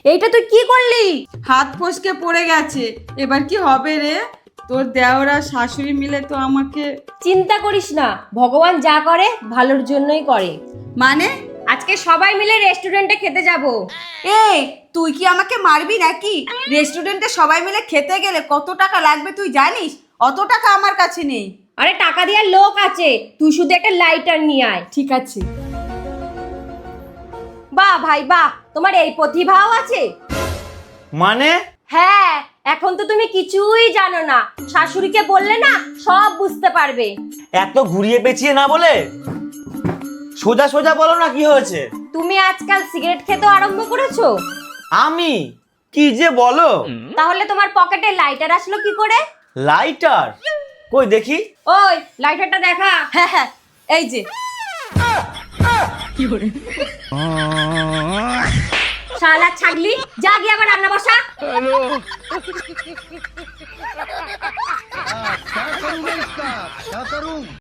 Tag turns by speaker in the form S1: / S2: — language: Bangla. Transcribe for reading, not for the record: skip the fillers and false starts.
S1: এইটা তুই কি করলি?
S2: হাত ফসকে পড়ে গেছে, এবার কি হবে রে? তোর দেওরা শাশুড়ি মিলে তো আমাকে।
S1: চিন্তা করিস না, ভগবান যা করে ভালোর জন্যই করে।
S2: মানে?
S1: আজকে সবাই মিলে রেস্টুরেন্টে খেতে যাব।
S2: এই তুই কি আমাকে মারবি নাকি? রেস্টুরেন্টে সবাই মিলে খেতে গেলে কত টাকা লাগবে তুই জানিস? অত টাকা আমার কাছে নেই।
S1: আরে টাকা দেওয়ার লোক আছে, তুই শুধু একটা লাইটার নিয়ে আয়।
S2: ঠিক আছে।
S1: বাহ ভাই বাহ, তোমার এই প্রতিভাও আছে।
S3: মানে?
S1: হ্যাঁ, এখন তো তুমি কিছুই জানো না, শাশুড়িকে বললে না সব বুঝতে পারবে।
S3: এত ঘুরিয়ে পেঁচিয়ে না বলে সোজা সোজা বলো না, কি হয়েছে?
S1: তুমি আজকাল সিগারেট খেতে আরম্ভ করেছো।
S3: আমি? কি যে বলো!
S1: তাহলে তোমার পকেটে লাইটার আসলো কি করে?
S3: লাইটার? কই দেখি।
S1: ওই লাইটারটা দেখা।
S2: হ্যাঁ হ্যাঁ, এই যে।
S1: শালা ছাগলি, যা গিয়ে আবার রান্না বসা।
S4: क्या करूं मैं इसका? क्या करूं?